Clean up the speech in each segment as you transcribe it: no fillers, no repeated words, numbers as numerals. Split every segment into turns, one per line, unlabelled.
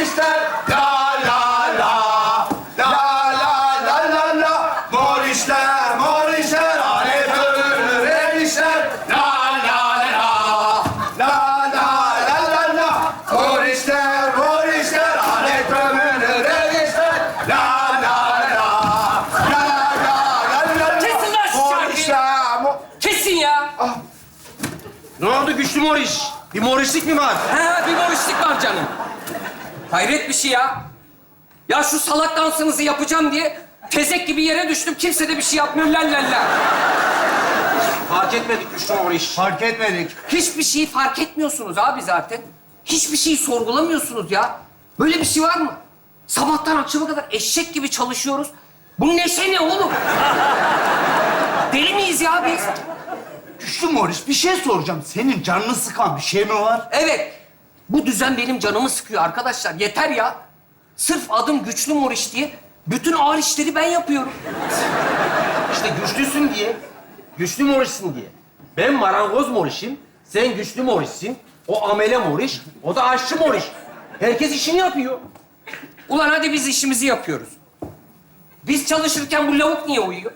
Morişler, la la la. La la la la la. Morişler, morişler, alet ömür erişler. La la la la. La la la la la. Morişler, morişler, alet ömür erişler. La la la la. La la la la.
Kesin lan şu şarkıyı.
Morişler,
Kesin ya.
Ne oldu güçlü moriş? Bir morişlik mi var?
Ha, bir morişlik var canım. Hayret bir şey ya. Ya şu salak dansınızı yapacağım diye tezek gibi yere düştüm. Kimse de bir şey yapmıyor. La la la.
Fark etmedik güçlü moriş.
Fark etmedik.
Hiçbir şeyi fark etmiyorsunuz abi zaten. Hiçbir şeyi sorgulamıyorsunuz ya. Böyle bir şey var mı? Sabahtan akşama kadar eşek gibi çalışıyoruz. Bu neşe ne oğlum? Deli miyiz ya biz?
Güçlü Moriş, bir şey soracağım. Senin canını sıkan bir şey mi var?
Evet. Bu düzen benim canımı sıkıyor arkadaşlar. Yeter ya. Sırf adım Güçlü Moriş diye bütün ağır işleri ben yapıyorum.
İşte güçlüsün diye, güçlü morişsin diye. Ben marangoz morişim, sen güçlü morişsin. O amele moriş, o da aşçı moriş. Herkes işini yapıyor.
Ulan hadi biz işimizi yapıyoruz. Biz çalışırken bu lavuk niye uyuyor?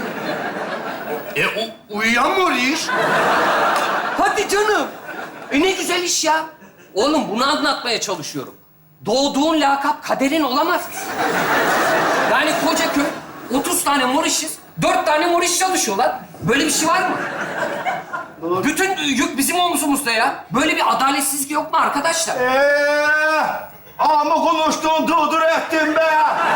Uyuyan Moriş.
Hadi canım. Ne güzel iş ya. Oğlum bunu anlatmaya çalışıyorum. Doğduğun lakap kaderin olamaz. Yani koca köy 30 tane morişiz, 4 tane moriş çalışıyorlar. Böyle bir şey var mı? Bütün yük bizim omzumuzda ya. Böyle bir adaletsizlik yok mu arkadaşlar?
Ama konuştun, dur ettin be.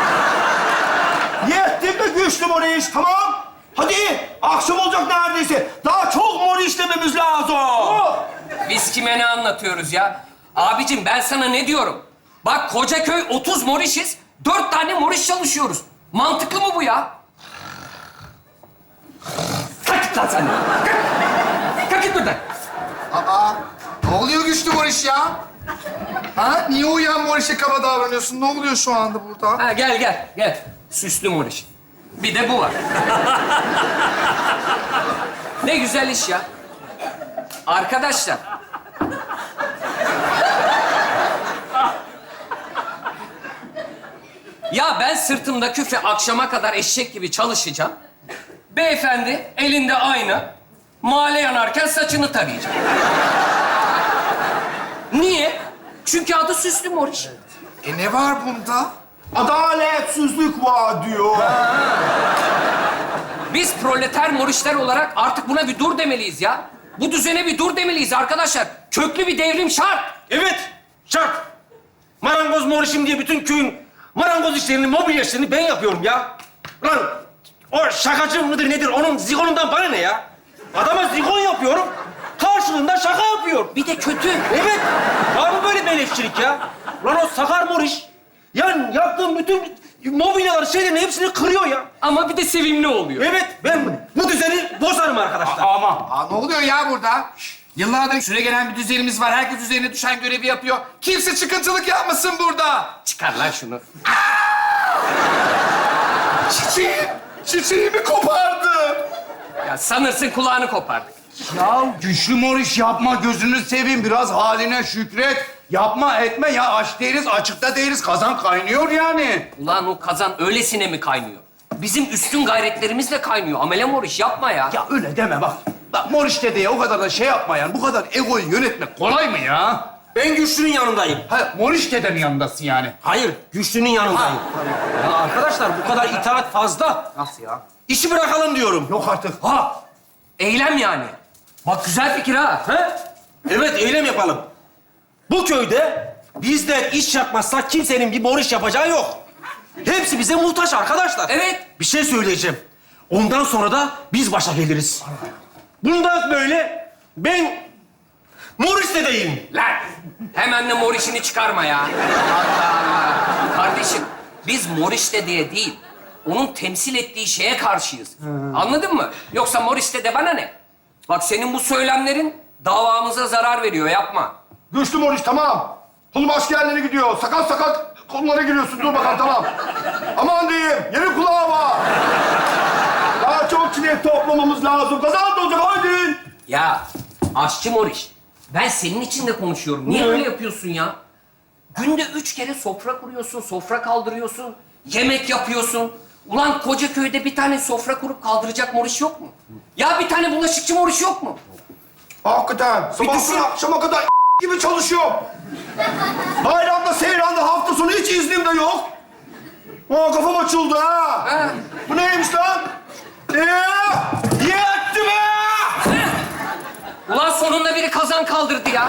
Yettin mi Güçlü Moriş, tamam? Hadi, akşam olacak neredeyse. Daha çok Moriş dememiz lazım.
Biz kime ne anlatıyoruz ya? Abicim ben sana ne diyorum? Bak koca köy 30 morişiz, 4 tane moriş çalışıyoruz. Mantıklı mı bu ya? Kalk git lan sen. Kalk. Kalk git buradan.
Ne oluyor Güçlü Moriş ya? Ha? Niye uyuyan Moriş'e kaba davranıyorsun? Ne oluyor şu anda burada?
Ha gel. Süslü moriş. Bir de bu var. Ne güzel iş ya. Arkadaşlar. Ya ben sırtımda küfe akşama kadar eşek gibi çalışacağım. Beyefendi elinde ayna, mahalle yanarken saçını tarayacak. Niye? Çünkü adı Süslü Moriş.
Ne var bunda?
Adaletsizlik var diyor.
Biz proleter morişler olarak artık buna bir dur demeliyiz ya. Bu düzene bir dur demeliyiz arkadaşlar. Köklü bir devrim şart.
Evet, şart. Marangoz morişim diye bütün köyün marangoz işlerini, mobilya işlerini ben yapıyorum ya. Lan o şakacı mıdır nedir? Onun zigonundan bana ne ya? Adama zigon yapıyorum, karşılığında şaka yapıyor.
Bir de kötü.
Evet, var mı böyle beleşçilik ya? Lan o sakar moriş, yani yaptığım bütün mobilyaları, şeylerin hepsini kırıyor ya.
Ama bir de sevimli oluyor.
Evet, ben bu düzeni bozarım arkadaşlar.
Aa, ne oluyor ya burada? Yıllardır süre gelen bir düzenimiz var. Herkes üzerine düşen görevi yapıyor. Kimse çıkıntılık yapmasın burada.
Çıkar lan şunu.
Çiçeğimi kopardı.
Ya sanırsın kulağını kopardık.
Ya Güçlü Moriş yapma, gözünü seveyim. Biraz haline şükret. Yapma etme ya, aç değiliz, açıkta değiliz. Kazan kaynıyor yani.
Ulan o kazan öylesine mi kaynıyor? Bizim üstün gayretlerimizle kaynıyor. Amele moriş yapma ya.
Ya öyle deme bak. Bak Moriş dedeye o kadar da şey yapma yani. Bu kadar egoyu yönetmek kolay mı ya?
Ben güçlünün yanındayım.
Ha, Moriş dedenin yanındasın yani.
Hayır, güçlünün yanındayım. Ya arkadaşlar bu kadar itaat fazla.
Nasıl ya?
İşi bırakalım diyorum.
Yok artık.
Ha! Eylem yani. Bak güzel fikir ha.
He? Evet, eylem yapalım. Bu köyde bizler iş yapmazsak kimsenin bir moriş yapacağı yok. Hepsi bize muhtaç arkadaşlar.
Evet.
Bir şey söyleyeceğim. Ondan sonra da biz başa geliriz. Bundan böyle ben moriş dedeyim.
Lan! Hemen de morişini çıkarma ya. Allah Allah. Kardeşim, biz moriş diye değil, onun temsil ettiği şeye karşıyız. Anladın mı? Yoksa moriş de bana ne? Bak senin bu söylemlerin davamıza zarar veriyor, yapma.
Güçlü Moriş tamam. Konu başka yerlere gidiyor. Sakat sakat konulara giriyorsun. Dur bakalım tamam. Aman diyeyim, yeni kulağı var. Daha çok çilek toplamamız lazım. Kazan da olacak, hadi.
Ya aşçı moriş, ben senin için de konuşuyorum. Niye öyle yapıyorsun ya? Günde 3 kere sofra kuruyorsun, sofra kaldırıyorsun, yemek yapıyorsun. Ulan koca köyde bir tane sofra kurup kaldıracak Moriş yok mu? Ya bir tane bulaşıkçı Moriş yok mu?
Hakikaten. Sabahtan akşama kadar gibi çalışıyorum. Bayramda, seyranda, hafta sonu hiç iznim de yok. Aa, kafam açıldı ha.
Ha.
Bu neymiş lan? Yetti be!
Ulan sonunda biri kazan kaldırdı ya.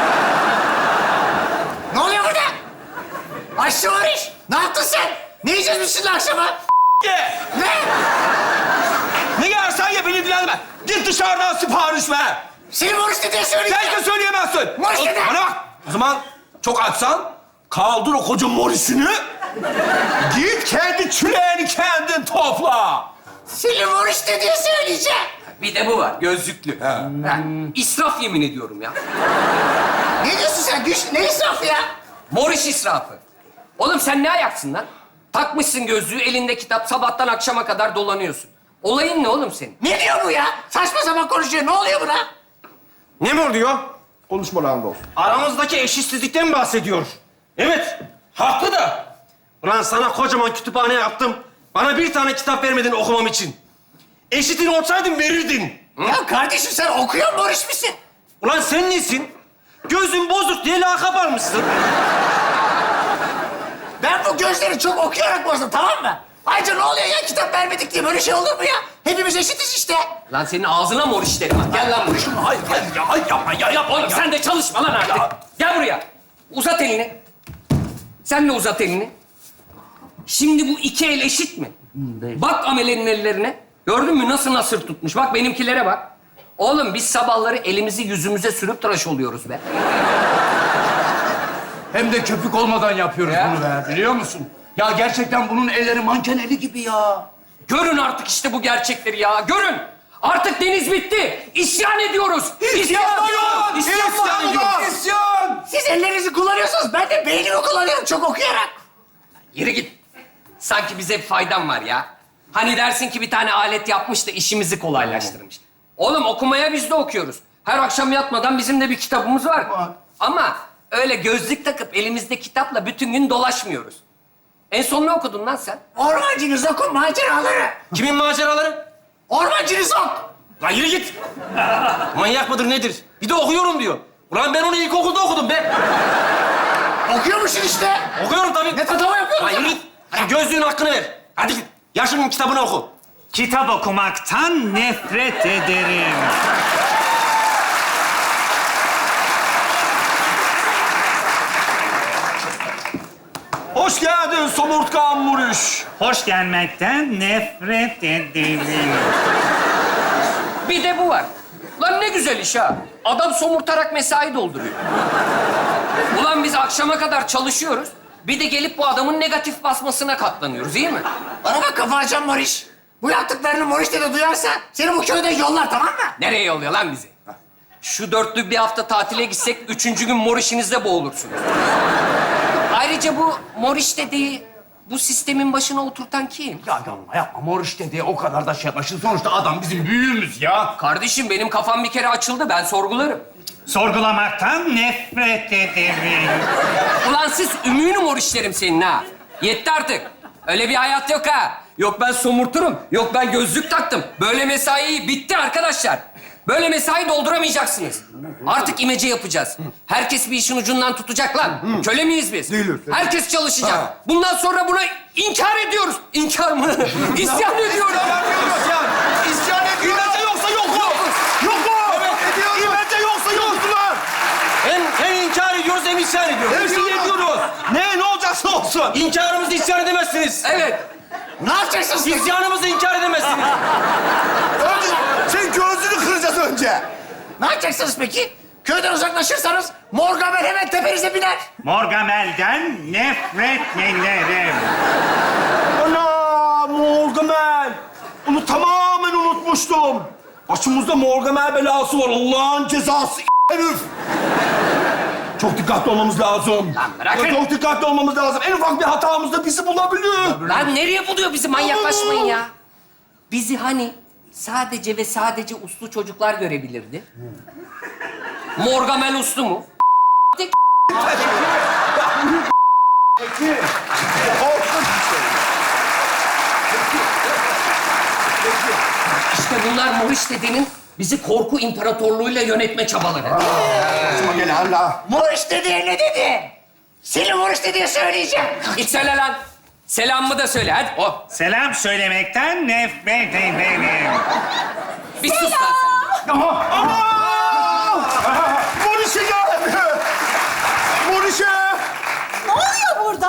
Ne oluyor burada? Aşçı Moriş, ne yaptın sen? Ne yiyeceğiz biz şimdi akşama?
Ye!
Ne?
Ne yersen ye beni ilgilendirme. Git dışarıdan sipariş ver.
Seni Moriş ne diye söyleyeceğim?
Sen de söyleyemezsin.
Moriş ne de?
Bana bak. O zaman çok açsan kaldır o koca morisini. Git kendi çüleğini kendin topla.
Seni Moriş ne diye söyleyeceğim?
Bir de bu var, gözlüklü. Ha, İsraf yemin ediyorum ya.
Ne diyorsun sen? Güç, ne israfı ya?
Moriş israfı. Oğlum sen ne ayaksın lan? Takmışsın gözlüğü, elinde kitap, sabahtan akşama kadar dolanıyorsun. Olayın ne oğlum senin?
Ne diyor bu ya? Saçma sapan konuşuyor. Ne oluyor buna?
Ne mi oluyor?
Konuşma lan dost.
Aramızdaki eşitsizlikten bahsediyor. Evet, haklı da. Ulan sana kocaman kütüphane yaptım. Bana bir tane kitap vermedin okumam için. Eşitin olsaydın verirdin.
Ya kardeşim sen okuyor Moriş misin?
Ulan sen nesin? Gözün bozuk diye lakap almışsın.
Ben bu gözleri çok okuyarak bozdum, tamam mı? Ayrıca ne oluyor ya? Kitap vermedik diye böyle şey olur mu ya? Hepimiz eşitiz işte.
Lan senin ağzına Moriş derim ha. Gel lan buraya.
Hayır, ya yapma ya yapma.
Oğlum sen de çalışma lan artık. Gel buraya. Uzat elini. Sen de uzat elini. Şimdi bu iki el eşit mi? Bak amelenin ellerine. Gördün mü nasıl nasır tutmuş? Bak benimkilere bak. Oğlum biz sabahları elimizi yüzümüze sürüp tıraş oluyoruz be.
Hem de köpük olmadan yapıyoruz
Ya.
bunu be, biliyor musun? Ya gerçekten bunun elleri manken eli gibi ya.
Görün artık işte bu gerçekleri ya. Görün. Artık deniz bitti. İsyan ediyoruz. İsyan ediyoruz. İsyan ediyoruz.
İsyan!
Siz ellerinizi kullanıyorsunuz. Ben de beynimi kullanıyorum çok okuyarak.
Yürü git. Sanki bize bir faydan var ya. Hani dersin ki bir tane alet yapmış da işimizi kolaylaştırmış. Oğlum okumaya biz de okuyoruz. Her akşam yatmadan bizim de bir kitabımız var. Ama öyle gözlük takıp elimizde kitapla bütün gün dolaşmıyoruz. En son ne okudun lan sen?
Ormancı Zok'un maceraları.
Kimin maceraları?
Ormancı Zok.
Lan yürü git. Manyak mıdır nedir? Bir de okuyorum diyor. Ulan ben onu ilkokulda okudum be.
Okuyormuşsun işte.
Okuyorum tabii.
Ne tatava yapıyorsun?
Lan yürü git. Hadi gözlüğün hakkını ver. Hadi git. Yaşının kitabını oku.
Kitap okumaktan nefret ederim.
Hoş geldin somurtkan Muriş.
Hoş gelmekten nefret ederim.
Bir de bu var. Lan ne güzel iş ha. Adam somurtarak mesai dolduruyor. Ulan biz akşama kadar çalışıyoruz. Bir de gelip bu adamın negatif basmasına katlanıyoruz, değil mi?
Bana bak kafa açan Moriş. Bu yaptıklarını Moriş de duyarsa seni bu köyden yollar, tamam mı?
Nereye yolluyor lan bizi? Şu dörtlü bir hafta tatile gitsek, 3. gün mor işinizde boğulursunuz. Ayrıca bu mor iş dediği, bu sistemin başına oturtan kim?
Ya yapma Moriş dedi, o kadar da şey yapma. Şimdi sonuçta adam bizim büyüğümüz ya.
Kardeşim benim kafam bir kere açıldı, ben sorgularım.
Sorgulamaktan nefret ederim.
Ulan siz ümüğünü mor işlerim senin ha. Yetti artık. Öyle bir hayat yok ha. Yok ben somurturum, yok ben gözlük taktım. Böyle mesai bitti arkadaşlar. Böyle mesai dolduramayacaksınız. Artık imece yapacağız. Herkes bir işin ucundan tutacak lan. Köle miyiz biz?
Değiliz.
Herkes çalışacak. Bundan sonra buna inkar ediyoruz. İnkar mı? İsyan ediyoruz.
İsyan ediyoruz.
İmece yoksa yok mu? Yok mu?
Ediyoruz.
İmece yoksa yoksular. Hem inkar ediyoruz hem isyan ediyoruz. Hepsini
Ediyoruz.
ediyoruz. Ne olacaksa olsun. İnkarımızı isyan edemezsiniz.
Evet.
Ne yapacaksınız?
İsyanımızı inkar edemezsiniz.
Önce sen gözünü kıracağız önce.
Ne yapacaksınız peki? Köyden uzaklaşırsanız Morgamel hemen tepenize biner.
Morgamel'den nefret ederim.
Ana Morgamel. Onu tamamen unutmuştum. Başımızda Morgamel belası var. Allah'ın cezası herif. Çok dikkatli olmamız lazım.
Lan bırakın.
Çok dikkatli olmamız lazım. En ufak bir hatamızda bizi bulabilir.
Lan nereye buluyor bizi? Manyaklaşmayın ya. Bizi hani sadece ve sadece uslu çocuklar görebilirdi. Morgamel uslu mu? bunlar Moriş dedenin bizi korku imparatorluğuyla yönetme çabaları.
Başıma gelenler.
Moruş dedeye ne dedi? Seni Moruş dedeye söyleyeceğim.
Git söyle lan. Selamımı da söyle hadi. Oh.
Selam söylemekten nefret ederim.
Bir sus lan sen.
Morişe geldi. Morişe.
Ne oluyor burada?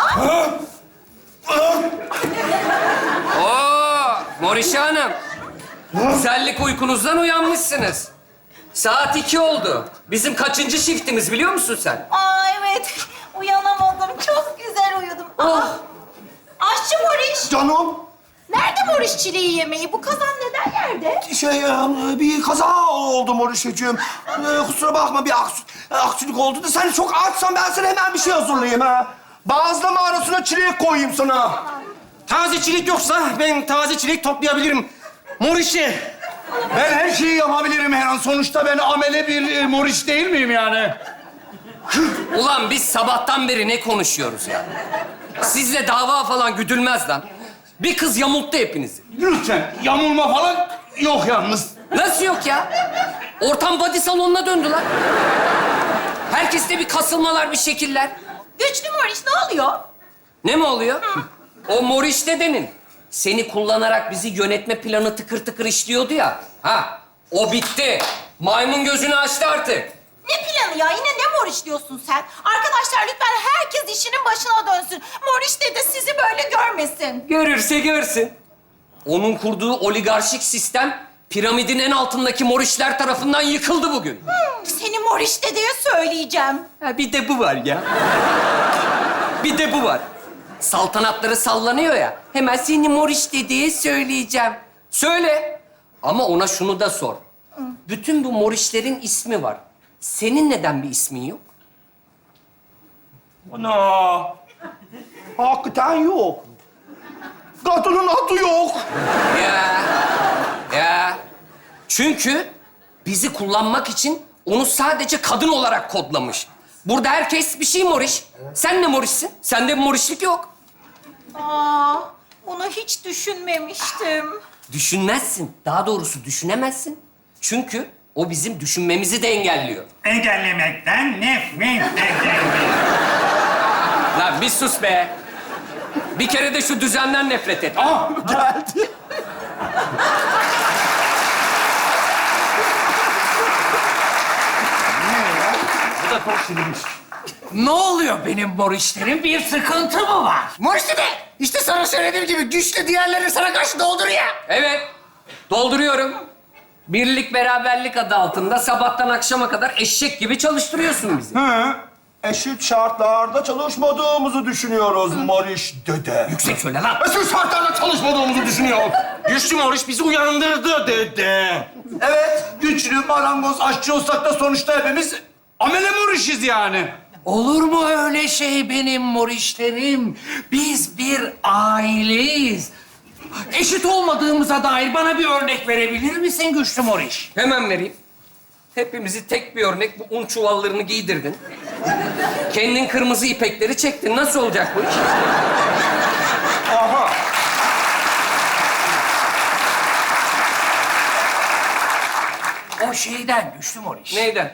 Oo, Morişe Hanım. Güzellik uykunuzdan uyanmışsınız. Saat 2 oldu. Bizim kaçıncı shiftimiz biliyor musun sen?
Aa evet. Uyanamadım. Çok güzel uyudum. Aa, aşçı Moriş.
Canım.
Nerede Moriş çileği yemeği? Bu kazan neden yerde?
Bir kaza oldu Morişeciğim. Kusura bakma bir aksilik oldu da sen çok açsan ben sana hemen bir şey hazırlayayım ha. Bazlama arasına çilek koyayım sana.
Taze çilek yoksa ben taze çilek toplayabilirim. Morişi.
Ben her şeyi yapabilirim her an. Sonuçta ben amele bir Moriş değil miyim yani?
Ulan biz sabahtan beri ne konuşuyoruz ya? Sizle dava falan güdülmez lan. Bir kız yamulttu hepinizi.
Lütfen yamulma falan yok yalnız.
Nasıl yok ya? Ortam body salonuna döndü lan. Herkeste bir kasılmalar, bir şekiller.
Güçlü Moriş ne oluyor?
Ne mi oluyor? O Moriş dedenin seni kullanarak bizi yönetme planı tıkır tıkır işliyordu ya. Ha, o bitti. Maymun gözünü açtı artık.
Ne planı ya? Yine ne Moriş diyorsun sen? Arkadaşlar lütfen herkes işinin başına dönsün. Moriş dede sizi böyle görmesin.
Görürse görsün. Onun kurduğu oligarşik sistem piramidin en altındaki Morişler tarafından yıkıldı bugün.
Seni Moriş dedeye söyleyeceğim.
Ha, bir de bu var ya. Bir de bu var. Saltanatları sallanıyor ya. Hemen seni Moriş dedeye söyleyeceğim. Söyle. Ama ona şunu da sor. Bütün bu Morişlerin ismi var. Senin neden bir ismin yok?
Ana. Hakikaten yok. Kadının adı yok.
Ya. Çünkü bizi kullanmak için onu sadece kadın olarak kodlamış. Burada herkes bir şey Moriş. Sen ne Moriş'sin? Sende bir Morişlik yok.
Aa, bunu hiç düşünmemiştim.
Düşünmezsin. Daha doğrusu düşünemezsin. Çünkü o bizim düşünmemizi de engelliyor.
Engellemekten nefret ederim.
Lan bir sus be. Bir kere de şu düzenden nefret et.
Geldi.
Ne oluyor benim Morişlerim? Bir sıkıntı mı var? Moriş dede, işte sana söylediğim gibi güçlü diğerlerini sana karşı doldur ya.
Evet. Dolduruyorum. Birlik beraberlik adı altında sabahtan akşama kadar eşek gibi çalıştırıyorsun bizi.
Eşit şartlarda çalışmadığımızı düşünüyoruz Moriş dede.
Yüksek söyle lan.
Eşit şartlarda çalışmadığımızı düşünüyor.
Güçlü Moriş bizi uyandırdı dede.
Evet, güçlü, marangoz, aşçı olsak da sonuçta hepimiz amele Moriş'iz yani.
Olur mu öyle şey benim Morişlerim? Biz bir aileyiz. Eşit olmadığımıza dair bana bir örnek verebilir misin güçlü Moriş?
Hemen vereyim. Hepimizi tek bir örnek bu un çuvallarını giydirdin. Kendin kırmızı ipekleri çektin. Nasıl olacak bu iş?
Aha.
O şeyden güçlü Moriş.
Neyden?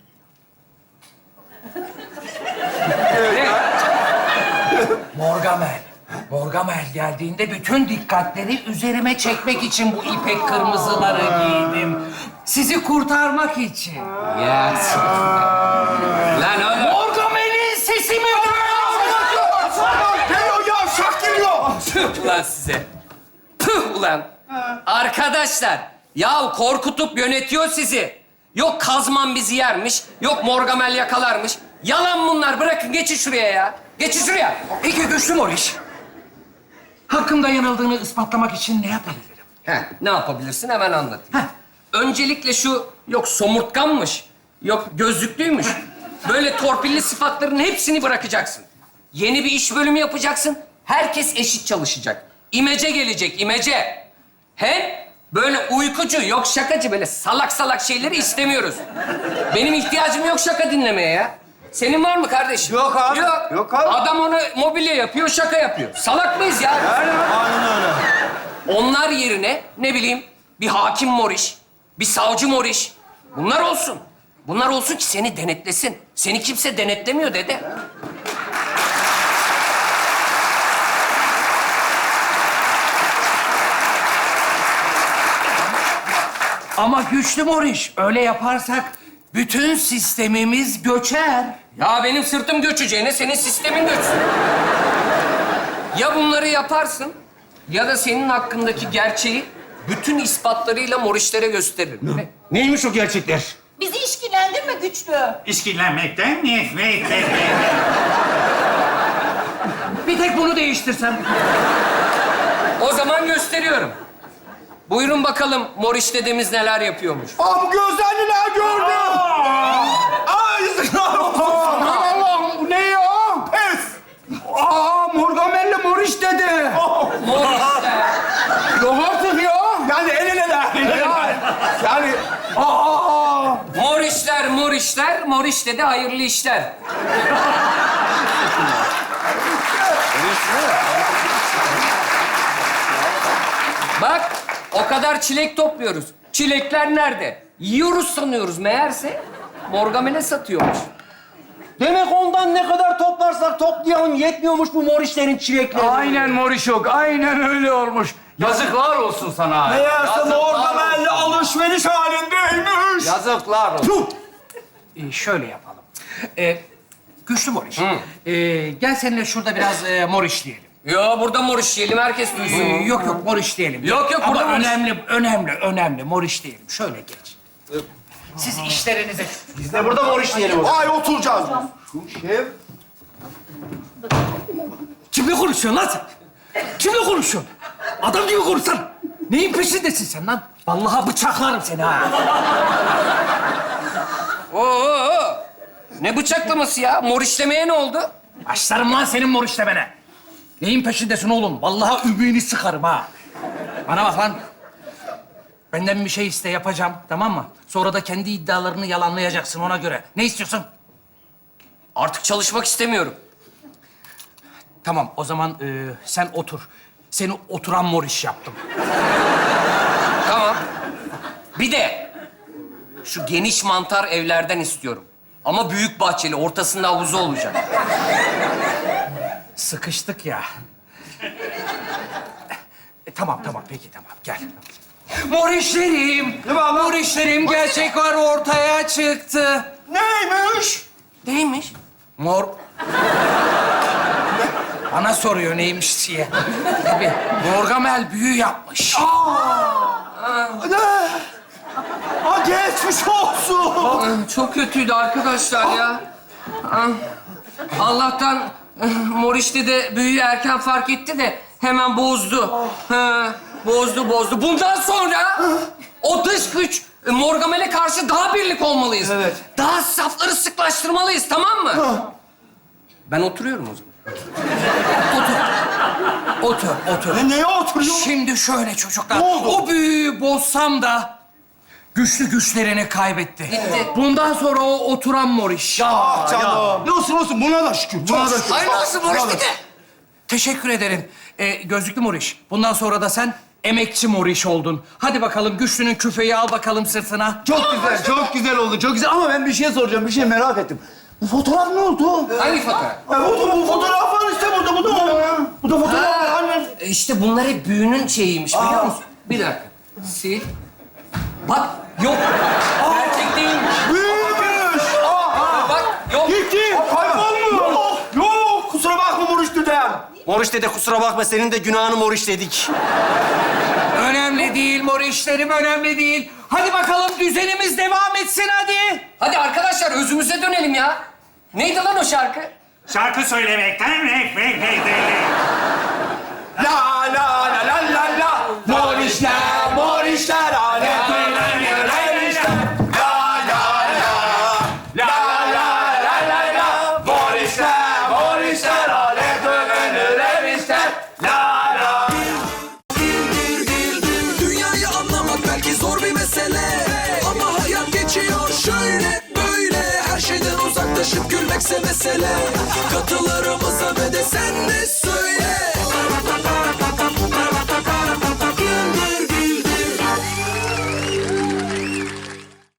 Ne?
Morgamel. Morgamel geldiğinde bütün dikkatleri üzerime çekmek için bu ipek kırmızıları giydim. Sizi kurtarmak için.
Ya. Lan oğlum.
Morgamel'in sesi mi var?
Geliyor ya, şak geliyor.
Tüh ulan size. Tüh ulan. Arkadaşlar, yahu korkutup yönetiyor sizi. Yok Kazman bizi yermiş, yok Morgamel yakalarmış. Yalan bunlar. Bırakın geçin şuraya ya. Geçin şuraya.
Peki güçlü Moriş. Hakkımda yanıldığını ispatlamak için ne yapabilirim?
Heh, ne yapabilirsin hemen anlat. Öncelikle şu yok somurtkanmış, yok gözlüklüymüş. Böyle torpilli sıfatların hepsini bırakacaksın. Yeni bir iş bölümü yapacaksın. Herkes eşit çalışacak. İmece gelecek, imece. Hem böyle uykucu, yok şakacı, böyle salak salak şeyleri istemiyoruz. Benim ihtiyacım yok şaka dinlemeye ya. Senin var mı kardeşim?
Yok abi.
Yok.
Yok abi.
Adam onu mobilya yapıyor, şaka yapıyor. Salak mıyız ya?
Aynen öyle.
Onlar yerine ne bileyim bir hakim moriş, bir savcı moriş. Bunlar olsun. Bunlar olsun ki seni denetlesin. Seni kimse denetlemiyor dede.
Ama güçlü Moriş, öyle yaparsak bütün sistemimiz göçer.
Ya benim sırtım göçeceğine senin sistemin göçsün. Ya bunları yaparsın ya da senin hakkındaki gerçeği bütün ispatlarıyla morişlere gösteririm.
Neymiş o gerçekler?
Bizi işkillendirme güçlü.
İşkillenmekten nefret ederim.
Bir tek bunu değiştirsem.
O zaman gösteriyorum. Buyurun bakalım moriş dedemiz neler yapıyormuş.
Aa, bu gözlerliler gördüm. Ay, yazıklar olsun. Aman Allah'ım, bu ne ya? Pes.
Aa, Morgamelli Moriş dedi.
Morişler.
Yok artık ya.
Yani el eleler.
Yani aa.
Morişler, morişler. Moriş dedi hayırlı işler. Bak, o kadar çilek topluyoruz. Çilekler nerede? Yiyoruz sanıyoruz. Meğerse Morgamele satıyormuş.
Demek ondan ne kadar toplarsak toplayalım yetmiyormuş bu morişlerin çilekleri.
Aynen Morişok. Aynen öyle olmuş. Yazıklar olsun sana.
Meğerse Morgamelli alışveriş halindeymiş.
Yazıklar olsun.
Şöyle yapalım. Güçlü Moriş, gel seninle şurada biraz morişleyelim.
Ya burada moriş yiyelim, herkes duysun.
Yok yok morişleyelim.
Yok, yok,
Ama
burada moriş.
önemli morişleyelim. Şöyle geç. Siz işlerinize...
Biz de burada morişleyelim.
Ay, oturacağız.
Kimle konuşuyorsun lan sen? Kimle konuşuyorsun? Adam gibi konuşsana. Neyin peşindesin sen lan? Vallahi bıçaklarım seni ha.
Oo! Ne bıçaklaması ya? Morişlemeye ne oldu?
Başlarım lan senin morişlemene. Neyin peşindesin oğlum? Vallahi ümüğünü sıkarım ha. Bana bak lan. Benden bir şey iste yapacağım, tamam mı? Sonra da kendi iddialarını yalanlayacaksın ona göre. Ne istiyorsun?
Artık çalışmak istemiyorum.
Tamam, o zaman sen otur. Seni oturan moriş yaptım.
Tamam. Bir de şu geniş mantar evlerden istiyorum. Ama büyük bahçeli, ortasında havuzu olacak.
Sıkıştık ya. Tamam, peki tamam. Gel. Morişlerim, morişlerim gerçek var ortaya çıktı.
Neymiş?
Neymiş?
Mor... Bana soruyor neymiş diye. Tabii, Morgamel büyü yapmış.
Aa, geçmiş olsun.
Çok kötüydü arkadaşlar ya. Allah'tan Moriş'te de büyüyü erken fark etti de hemen bozdu. Bozdu. Bundan sonra o dış güç Morgamel'e karşı daha birlik olmalıyız.
Evet.
Daha safları sıklaştırmalıyız, tamam mı? Ben oturuyorum o zaman.
Otur.
Neye oturuyor?
Şimdi şöyle çocuklar.
Ne oldu?
O büyüyü bozsam da güçlerini kaybetti.
Gitti.
Bundan sonra o oturan moriş.
Ah canım. Ne olsun buna da şükür. Buna da şükür.
Ay nasıl Moriş dedi?
Teşekkür ederim. Gözlüklü moriş. Bundan sonra da sen emekçi moriş oldun. Hadi bakalım güçlünün küfeyi al bakalım sırtına.
Çok güzel oldu. Çok güzel ama ben bir şey soracağım. Bir şey merak ettim. Bu fotoğraf ne oldu?
Hangi fotoğraf?
Bu fotoğraf var işte burada. Bu da bu da fotoğraf var. Anne.
İşte bunlar hep büyünün şeyiymiş biliyor musun? Bir dakika. Sil. Bak yok. Gerçek değilmiş.
Büyümüş.
Bak yok.
Gitti. Kaybolmuş. Yok. Kusura bakma Moriş dedem.
Moriş dede kusura bakma senin de günahını moriş dedik.
Önemli değil morişlerim, önemli değil. Hadi bakalım düzenimiz devam etsin hadi.
Hadi arkadaşlar özümüze dönelim ya. Neydi lan o şarkı?
Şarkı söylemekten nefret ederim.
La la la la la la. Morişler alem dönüşler. La la la. La la la la la. Morişler alem dönüşler. La la.
Dünyayı anlamak belki zor bir mesele, ama hayat geçiyor şöyle böyle. Her şeyden uzaklaşıp gülmekse mesele. Katılarımıza ve de sen de söyle.